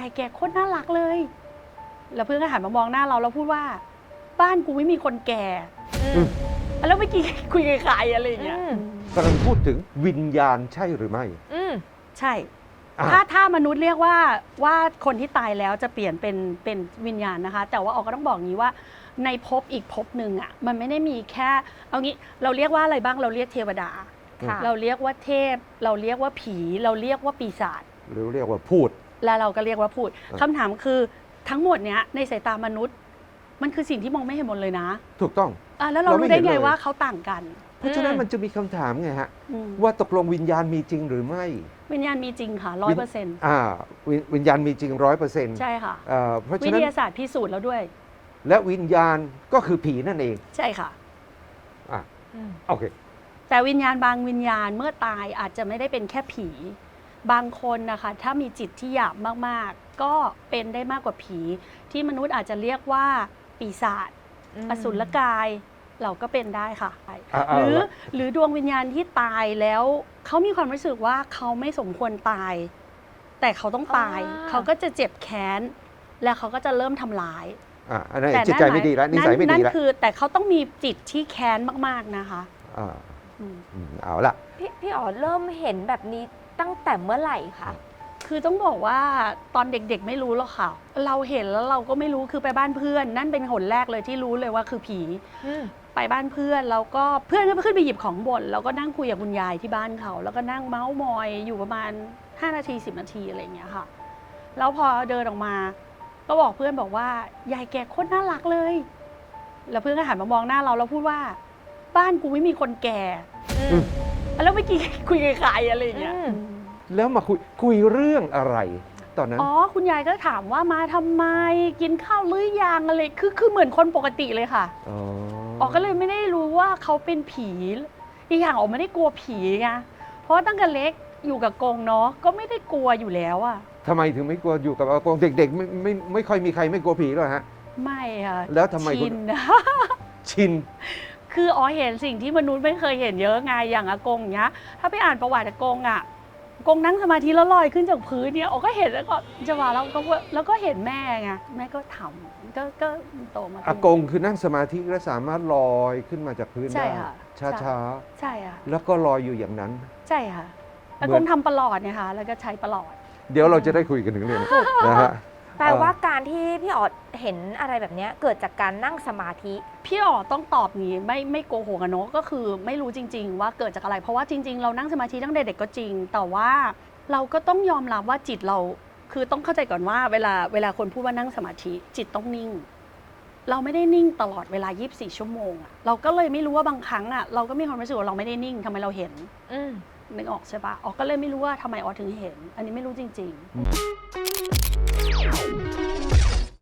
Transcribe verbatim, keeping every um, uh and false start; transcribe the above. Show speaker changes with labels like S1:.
S1: ายแกโคตรน่ารักเลยแล้วเพื่อนก็หันมามองหน้าเราแล้วพูดว่าบ้านกูไม่มีคนแก่แล้วเมื่อกี้คุยกับใครอะไรอย่างเงี้ย
S2: กำลังพูดถึงวิญญาณใช่หรือไม่
S1: ใช่ถ้าถ้ามนุษย์เรียกว่าว่าคนที่ตายแล้วจะเปลี่ยนเป็นเป็นวิญญาณนะคะแต่ว่าออกก็ต้องบอกงี้ว่าในภพอีกภพหนึ่งอ่ะมันไม่ได้มีแค่เอางี้เราเรียกว่าอะไรบ้างเราเรียกเทวดาเราเรียกว่าเทพเราเรียกว่าผีเราเรียกว่าปีศาจ
S2: หรือเรียกว่าพูด
S1: แล้วเราก็เรียกว่าพูดคำถามคือทั้งหมดเนี้ยในสายตามนุษย์มันคือสิ่งที่มองไม่เห็นหมดเลยนะ
S2: ถูกต้อง
S1: อ่ะแล้วเรารู้ได้ไงว่าเขาต่างกัน
S2: เพราะฉะนั้นมันจะมีคำถามไงฮะว่าตกลงวิญญาณมีจริงหรือไม่
S1: วิญญาณมีจริงค่ะร้อยเปอร์เซ็นต์
S2: อ่าวิญญาณมีจริงร้อยเปอร์เซ็นต์
S1: ใช่ค่ะ
S2: เพราะฉะนั้น
S1: วิทยาศาสตร์พิสูจน์แล้วด้วย
S2: และวิญญาณก็คือผีนั่นเอง
S1: ใช่ค่ะ
S2: อ่าโอเค
S1: แต่วิญญาณบางวิญญาณเมื่อตายอาจจะไม่ได้เป็นแค่ผีบางคนนะคะถ้ามีจิตที่หยาบมากๆก็เป็นได้มากกว่าผีที่มนุษย์อาจจะเรียกว่าปีศาจอสุรกายเราก็เป็นได้ค่ะหรือหรือดวงวิญญาณที่ตายแล้วเขามีความรู้สึกว่าเขาไม่สมควรตายแต่เขาต้องตายเขาก็จะเจ็บแค้นแล้วเขาก็จะเริ่มทำร้าย
S2: อ่าอันนั้นจิตใจไม่ดีแล้วนิสัยไม่ดีแล้วนั่
S1: นคือแต่เขาต้องมีจิตที่แค้นมากๆนะคะ
S2: อ่าเอาละ
S3: พี่พี่อ๋อเริ่มเห็นแบบนี้ตั้งแต่เมื่อไหร่คะ
S1: คือต้องบอกว่าตอนเด็กๆไม่รู้หรอกค่ะเราเห็นแล้วเราก็ไม่รู้คือไปบ้านเพื่อนนั่นเป็นหนแรกเลยที่รู้เลยว่าคือผีไปบ้านเพื่อนแล้วก็เพื่อนก็ขึ้นไปหยิบของบนแล้วก็นั่งคุยกับคุณยายที่บ้านเขาแล้วก็นั่งเมาส์มอยอยู่ประมาณห้านาทีสิบนาทีอะไรอย่างเงี้ยค่ะแล้วพอเดินออกมาก็บอกเพื่อนบอกว่ายายแกโคตรน่ารักเลยแล้วเพื่อนก็หันมามองหน้าเราแล้วพูดว่าบ้านกูไม่มีคนแก่แล้วเมื่อกี้คุยกับใครอะไรอย่างเงี้ย
S2: แล้วมาคุยคุยเรื่องอะไรตอนนั้น
S1: อ๋อคุณยายก็ถามว่ามาทำไมกินข้าวหรือยังอะไรคือคือเหมือนคนปกติเลยค่ะอ๋อก็เลยไม่ได้รู้ว่าเขาเป็นผีอีกอย่างออกไม่ได้กลัวผีไงเพราะตั้งแต่เล็กอยู่กับกงเนาะก็ไม่ได้กลัวอยู่แล้วอะ
S2: ทำไมถึงไม่กลัวอยู่กับอากงเด็กๆไม่ไม่ไม่ค่อยมีใครไม่กลัวผีหรอกฮะ
S1: ไม่ค่ะ
S2: แล้วทำไม
S1: ชิน
S2: ชิน
S1: คืออ๋อเห็นสิ่งที่มนุษย์ไม่เคยเห็นเยอะไงอย่างอากงเนี้ยถ้าไปอ่านประวัติอากงอะกงนั่งสมาธิแล้วลอยขึ้นจากพื้นเนี่ยอ๋อก็เห็นแล้วก็จะว่าแล้วก็แล้วก็เห็นแม่ไงแม่ก็ทำก็ก็โตมา
S2: อากงคือนั่งสมาธิและสามารถลอยขึ้นมาจากพื้นได้ช้าช้า
S1: ใช่ค่ะ
S2: แล้วก็ลอยอยู่อย่างนั้น
S1: ใช่ค่ะอากงทำประหลอดเนี่ยค่ะแล้วก็ใช้ประหลอด
S2: เดี๋ยวเราจะได้คุยกันถึงเรื่องนะฮะ
S3: แปลว่าการที่พี่อ๋อเห็นอะไรแบบนี้เกิดจากการนั่งสมาธิ
S1: พี่อ๋อต้องตอบนี้ไม่ไม่โกหกอะเนาะก็คือไม่รู้จริงๆว่าเกิดจากอะไรเพราะว่าจริงๆเรานั่งสมาธิตั้งแต่เด็กก็จริงแต่ว่าเราก็ต้องยอมรับว่าจิตเราคือต้องเข้าใจก่อนว่าเวลาเวลาคนพูดว่านั่งสมาธิจิตต้องนิ่งเราไม่ได้นิ่งตลอดเวลายี่สิบสี่ชั่วโมงอะเราก็เลยไม่รู้ว่าบางครั้งอะเราก็มีความรู้สึกว่าเราไม่ได้นิ่งทำไมเราเห็นนึกออกใช่ปะอ๋อก็เลยไม่รู้ว่าทำไมอ๋อถึงเห็นอันนี้ไม่รู้จริงๆ